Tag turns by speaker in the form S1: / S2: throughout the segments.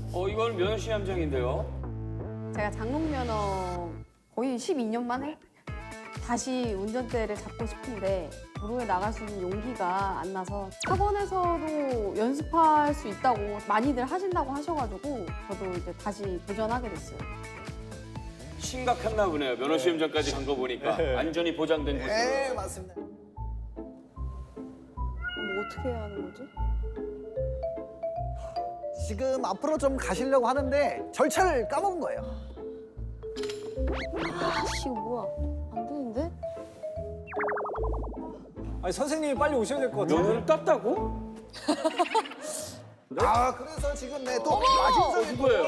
S1: 이건 면허시 함정인데요.
S2: 제가 장롱면허 거의 12년 만에 다시 운전대를 잡고 싶은데 도로에 나갈 수 있는 용기가 안 나서 학원에서도 연습할 수 있다고 많이들 하신다고 하셔가지고 저도 이제 다시 도전하게 됐어요.
S1: 심각했나 보네요. 면허시 함정까지 간 거 보니까 안전이 보장된 곳으로.
S3: 네, 맞습니다.
S2: 뭐 어떻게 해야 하는 거지?
S3: 지금 앞으로 좀 가시려고 하는데 절차를 까먹은 거예요.
S2: 아씨 이거 뭐야? 안 되는데?
S4: 아니 선생님이 빨리 오셔야 될 것 같아요.
S1: 면허를 땄다고?
S3: 아, 그래서 지금 네, 또 마진석이
S1: 누구예요?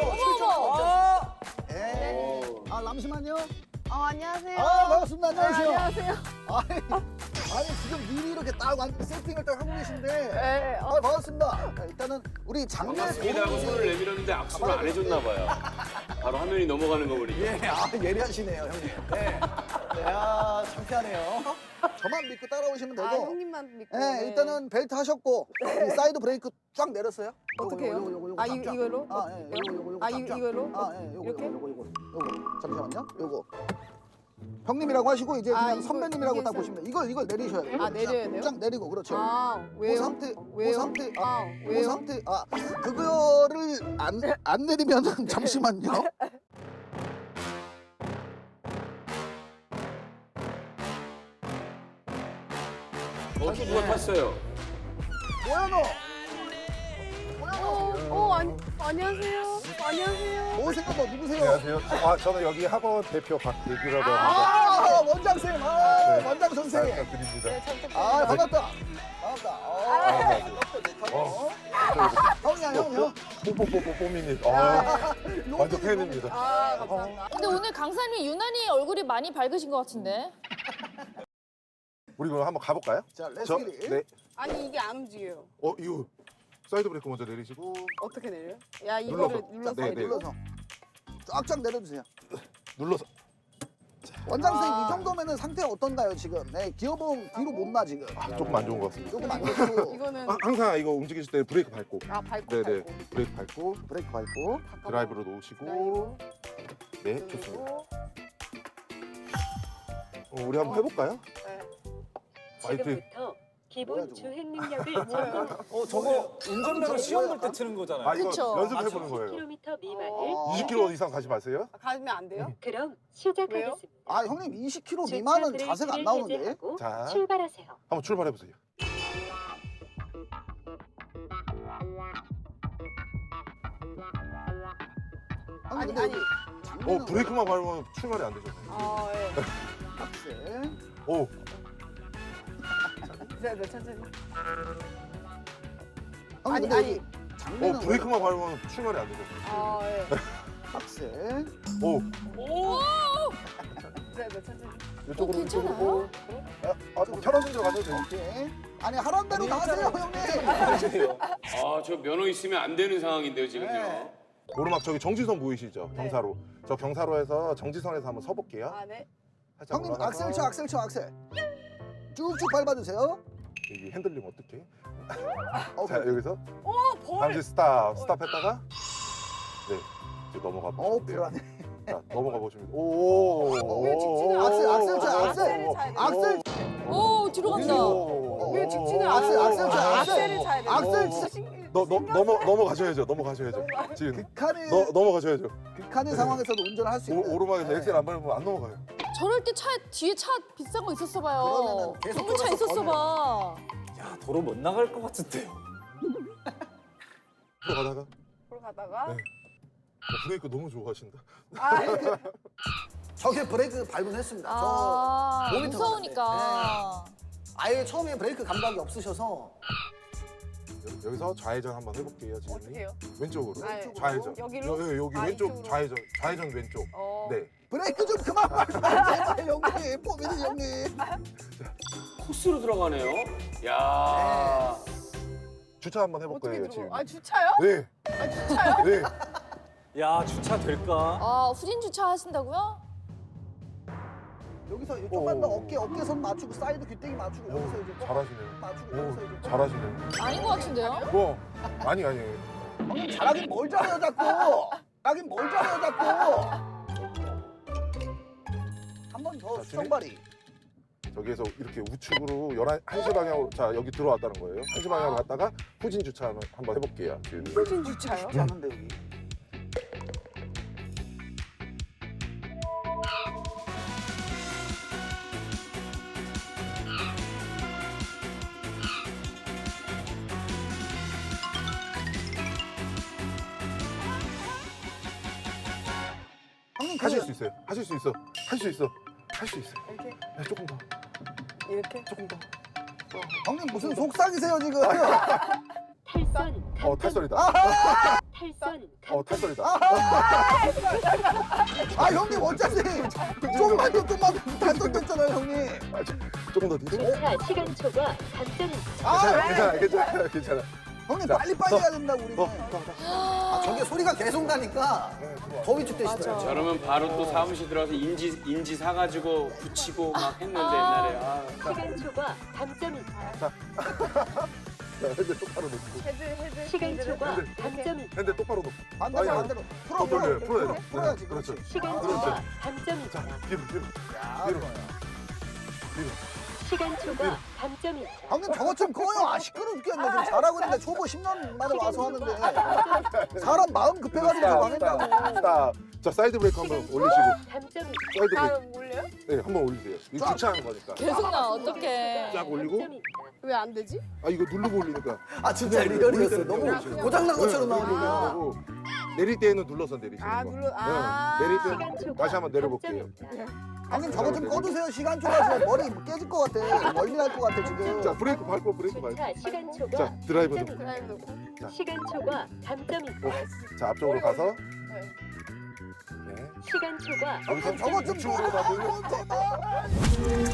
S3: 네. 잠시만요.
S2: 안녕하세요.
S3: 반갑습니다. 안녕하세요.
S2: 안녕하세요.
S3: 아니 지금 미리 이렇게 딱 세팅을 딱 하고 계신데.
S2: 네,
S3: 반갑습니다. 일단은 우리 장례
S1: 반갑습니다 하고 손을 내밀었는데 악수를 안 해줬나 봐요. 바로 화면이 넘어가는 거 보니까.
S3: 예, 예리하시네요, 형님. 네. 창피하네요. 저만 믿고 따라오시면 되고.
S2: 형님만 믿고.
S3: 네, 일단은 벨트 하셨고 이 사이드 브레이크 쫙 내렸어요.
S2: 어떻게 해요?
S3: 요거
S2: 아,
S3: 쫙, 쫙.
S2: 이걸로?
S3: 요거
S2: 아,
S3: 쫙, 쫙.
S2: 이걸로?
S3: 요거
S2: 이렇게?
S3: 요거 잠시만요. 요거 형님이라고 하시고 이제 그냥
S2: 이거,
S3: 선배님이라고
S2: 이게
S3: 딱 보시면 돼요. 이걸 내리셔야 돼요.
S2: 아, 내려야 돼요?
S3: 쫙 내리고 그렇죠.
S2: 왜요?
S3: 그 상태,
S2: 왜요?
S3: 그 상태, 그
S2: 왜요?
S3: 상태, 그거를 안 내리면은 잠시만요.
S1: 또 누가 탔어요?
S3: 뭐야 너?
S2: 안녕하세요. 안녕하세요.
S3: 뭐세요 너 누구세요?
S5: 안녕하세요. 저는 여기 학원 대표 박대규라고 합니다.
S3: 원장 쌤, 원장 선생님.
S5: 잘 부탁드립니다.
S3: 반갑다. 형이야 형.
S5: 뽀뽀뽀뽀뽀미님. 완전 팬입니다.
S6: 근데 오늘 강사님 유난히 얼굴이 많이 밝으신 것 같은데.
S5: 우리 그럼 한번 가볼까요?
S3: 자,
S5: 저,
S3: 렛츠기릿.
S5: 네.
S2: 아니 이게 안 움직여요.
S5: 이거 사이드 브레이크 먼저 내리시고
S2: 어떻게 내려요? 야 이거를 눌러서
S5: 네, 네.
S2: 내리고.
S3: 눌러서 쫙쫙 내려주세요.
S5: 눌러서.
S3: 원장 선생님 이 정도면은 상태 어떤가요 지금? 네, 기어봉 뒤로 못 나 지금.
S5: 조금 안 좋은 것 같습니다.
S3: 조금 안 좋고.
S2: 이거는
S5: 항상 이거 움직이실 때 브레이크 밟고.
S2: 밟고
S5: 네네.
S2: 밟고.
S5: 브레이크 밟고
S3: 브레이크 밟고.
S5: 드라이브로 놓으시고. 네, 좋습니다. 우리 한번 해볼까요?
S2: 네.
S5: 파이팅.
S7: 지금부터 기본
S3: 저거?
S7: 주행 능력을 점검.
S4: 저거 운전면허 시험 볼 때 트는 거잖아요.
S5: 이거
S6: 그쵸.
S5: 연습해보는 거예요.
S7: 10km 미만을
S5: 20km 이상 가지 마세요.
S2: 가면 안 돼요?
S7: 그럼 시작하겠습니다.
S3: 형님 20km 미만은 자세가 안 나오는데.
S7: 해제하고
S5: 자.
S7: 출발하세요.
S5: 한번 출발해보세요.
S3: 형님,
S2: 아니.
S3: 근데 장면은
S5: 브레이크만 밟으면 출발이 안 되죠.
S2: 예.
S3: 박스.
S5: 오,
S2: 네, 천천히.
S3: 형님, 근데 장면은
S5: 브레이크만 밟으면 출발이 안 되죠.
S2: 예.
S3: 박스.
S5: 오,
S2: 네, 천천히.
S5: 이쪽으로
S6: 괜찮아요?
S5: 이쪽으로. 뭐 편한 데로 가도 돼요.
S3: 오케이. 아니 하란 대로 다 하세요 형님.
S1: 저 면허 있으면 안 되는 상황인데요, 지금요.
S3: 네.
S5: 오르막 저기 정지선 보이시죠? 경사로. 저 경사로에서 정지선에서 한번 서볼게요.
S2: 네.
S5: 살짝
S3: 형님
S5: 올라가서.
S3: 악셀 쳐 악셀. 쭉쭉 밟아주세요.
S5: 여기 핸들링 어떻게?
S3: 어,
S5: 자 여기서
S2: 벌.
S5: 잠시 스탑했다가 네 이제 넘어가 보시면 돼요.
S3: 불안해.
S5: 자 넘어가 보시면 오.
S2: 왜 직진을
S3: 악셀 쳐,
S2: 악셀을 차야 돼요.
S3: 악셀.
S6: 오 뒤로 간다.
S2: 왜 직진을
S3: 악셀,
S2: 안
S3: 악셀 쳐,
S2: 해요?
S3: 악셀.
S2: 악셀을 차야 돼요.
S3: 악셀
S2: 진짜
S5: 넘어가셔야죠. 넘어가셔야죠. 지금
S3: 극한의
S5: 넘어가셔야죠.
S3: 극한의 상황에서도 운전을 할 수 있는.
S5: 오르막에서
S3: 네.
S5: 엑셀 안 밟으면 안 넘어가요.
S6: 저럴 때 뒤에 차 비싼 거 있었어 봐요.
S3: 그러면은 계속
S6: 좋은 차
S3: 돌아서
S6: 있었어 봐.
S4: 야 도로 못 나갈 것 같은데요.
S5: 들어가다가
S2: 보러 가다가
S5: 네. 브레이크 너무 좋아하신다.
S3: 저게 브레이크 밟음했습니다.
S6: 아
S3: 저 모니터
S6: 무서우니까.
S3: 아예 처음에 브레이크 감각이 없으셔서
S5: 여기서 좌회전 한번 해볼게요. 지금
S2: 어떻게 해요?
S5: 왼쪽으로.
S2: 아,
S5: 좌회전.
S2: 여기로?
S5: 여기
S2: 아,
S5: 왼쪽
S2: 이쪽으로?
S5: 좌회전 왼쪽. 네.
S3: 브레이크 좀 그만 밟아. 제발 형님, 포미니 형님.
S1: 코스로 들어가네요. 야.
S5: 주차 한번 해볼
S2: 어떻게
S5: 거예요
S2: 들어?
S5: 지금.
S2: 주차요?
S5: 네.
S2: 주차요?
S5: 네.
S4: 야 주차 될까?
S6: 후진 주차 하신다고요?
S3: 여기서 조금만 더 어깨선 맞추고 사이드 귀때기 맞추고
S5: 오,
S3: 여기서 이제 좀
S5: 잘하시네요.
S3: 맞추고 여기서 이제 좀
S5: 잘하시네요.
S6: 아닌 것 같은데요?
S5: 뭐 아니.
S3: 형님 잘하긴 뭘 잘해요 자꾸. 잘하긴 뭘 잘해요 자꾸. 한 번 더
S5: 자,
S3: 수정발이.
S5: 저기에서 이렇게 우측으로 1시 방향으로 자 여기 들어왔다는 거예요. 1시 방향으로 갔다가 후진 주차 한번 해볼게요.
S2: 후진 주차요?
S3: 쉽지 않은데 여기. 형님
S5: 하실 수 있어요. 하실 수 있어. 할 수 있어. 할 수 있어.
S2: 이렇게?
S5: 네, 조금 더.
S2: 이렇게?
S5: 조금 더.
S3: 형님 무슨 속삭이세요 지금?
S7: 탈선
S5: 탈선이다.
S7: 탈선
S5: 탈선이다.
S3: 아 형님 어차피 좀만 더 단돈됐잖아요 형님.
S5: 조금 더 뒤로.
S7: 주차 시간 초과 감점입니다.
S5: 괜찮아.
S3: 형님
S5: 자,
S3: 빨리 해야 된다고 우리는.
S5: 더.
S3: 아 저게 소리가 계속 나니까 더 위축되시더라고요.
S1: 저러면 바로 또 사무실 들어가서 인지 사가지고 붙이고 막 했는데 옛날에. 아.
S7: 시간 초과 감점입니다.
S5: 핸들 똑바로 놓고.
S7: 시간 초과 감점입니다.
S5: 핸들 똑바로 놓고.
S3: 반대로
S5: 아니,
S3: 반대로
S5: 더 돌려요. 풀어야 돼.
S3: 풀어야지.
S5: 그렇죠.
S7: 시간
S5: 그렇죠.
S7: 초과 감점입니다.
S5: 뒤로.
S3: 야,
S5: 뒤로.
S3: 좋아요.
S7: 시간 초과 감점입니다.
S3: 형님 저것 좀 꺼요. 아 시끄러 죽겠네. 지금 잘하고 있는데 초보 10년 만에 와서 하는데 사람 마음 급해가지고 망했다고.
S5: 스탑. 자 사이드 브레이크 한번 올리시고.
S7: 감점입니다.
S5: 사이드 브레이크.
S2: 올려요?
S5: 네, 한번 올리세요. 이거 주차하는 거니까.
S6: 계속 나 어떡해.
S5: 쫙 올리고.
S2: 왜 안 되지?
S5: 아 이거 누르고 올리니까.
S3: 아 진짜 리얼이었어요. 너무 고장난 것처럼 나오니까.
S5: 하고 내릴 때는 눌러서 내리시는
S2: 아,
S5: 거.
S2: 아.
S5: 내릴
S7: 시간
S5: 때는
S7: 초과
S5: 다시 한번 내려볼게요.
S7: 감점입니다.
S3: 형님 저거 좀 꺼주세요. 시간 초과해서 머리 깨질 것 같아. 멀리 날 것 같아 지금.
S5: 자 브레이크 밟고 브레이크 밟고.
S7: 주차 시간 초과
S5: 자 드라이버도.
S7: 감점입니다.
S5: 자.
S7: 시간 초과 감점입니다.
S5: 자 앞쪽으로 가서.
S2: 네.
S5: 네.
S7: 시간 초과
S5: 여기서
S3: 저거 좀
S5: 우측으로 다 돌려.
S3: 제발.